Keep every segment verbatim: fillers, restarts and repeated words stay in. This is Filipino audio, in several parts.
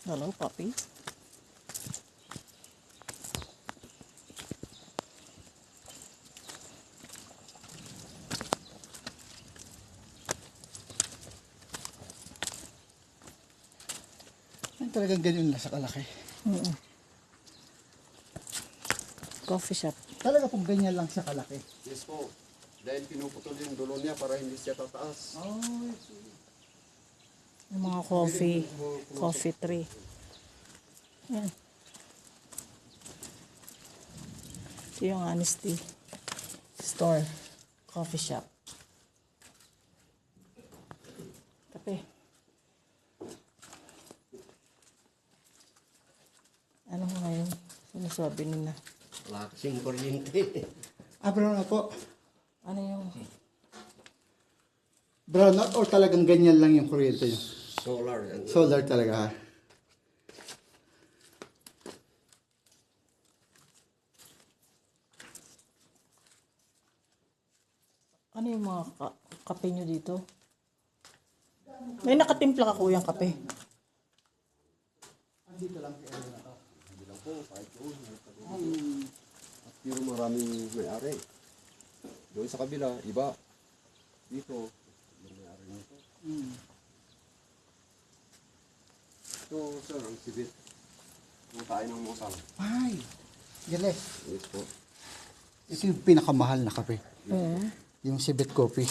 Hello, puppy. Ay, talagang ganyan lang sa kalaki. Mm-mm. Coffee shop. Talaga pong ganyan lang sa kalaki. Yes po. Dahil pinuputol yung dulo niya para hindi siya tataas. Oh, Yung mga coffee. Coffee tree. Yan. Ito yung Honesty Store. Coffee shop. Kape. Ano nga ngayon? Sinasabi nila. Wala kasing kuryente. ah, brown na po. Ano yung... Brown out or talagang ganyan lang yung kuryente nyo? Solar. Yan. Solar talaga ha? Ano yung mga ka- kape nyo dito? May nakatimpla ka kuyang kape. Andito lang kay Aaron na to. Hindi lang po. Kahit doon. At pero maraming may-ari. Doon sa kabila, iba. Dito, yung may-ari nito. Hmm. Ito, sir, ang sibit. Yung tayo ng musang. Ay, galing. Yes po. Ito yung pinakamahal na kape. Mm. Yung Sibit Coffee.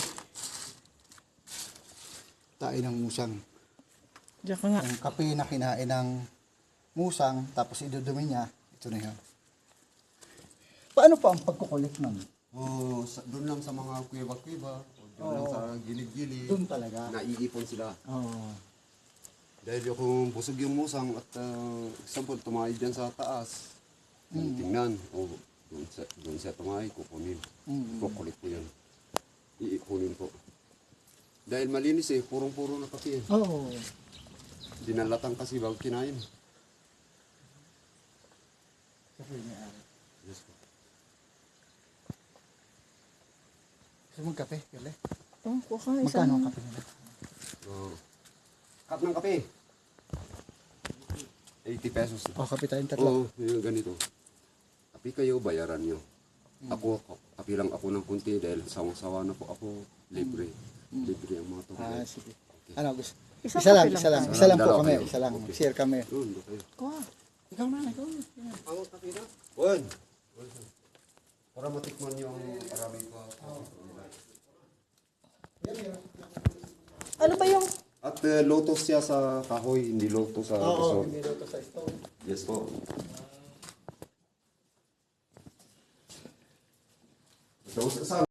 Tayo ng musang. Diyan ka nga. Yung kape na kinain ng musang, tapos idudumi niya, ito na yun. Paano pa ang pagkukulit nun? Oh, sa, doon lang sa mga kuweba-kuweba. O doon lang Oo. sa gilid-gilid. Doon talaga. Naiipon sila. Oo. Dahil kung busog yung musang at uh, example, tumahay dyan sa taas, Mm. tingnan, o doon siya, doon siya tumahay, kukunin. Mm. Kukulit po yan. Iikunin po. Dahil malinis eh, purong-puro na kape eh. Oo. Dinalatang kasi bago kinain. Kasi may-ari. Yes po. Gusto mong kape? Galing. Oh, kuha ka Magkano isang... ang kape nila? Oh. Cup ng kape. eighty pesos. O, kape tayong tatlo. Oo, yung ganito. Kape kayo, bayaran nyo. Ako, kape lang ako ng kunti dahil sawang-sawa na po ako. Libre. Libre ang mga Ah, tubig. sige. Ano, gusto? Isang Isa lang, kape lang isa lang. tayo. Isa lang po Dalawa kami. kayo. Isa lang. Okay. Share kami. Yun, doon kayo. Kuha. Ikaw na, ikaw na. Ang kape na? Juan. Para matikman yung maraming pa. Ano ba yung... At uh, lotos siya sa kahoy, hindi lotos sa Oo, resort. hindi daw to sa stone. Yes po. So, sa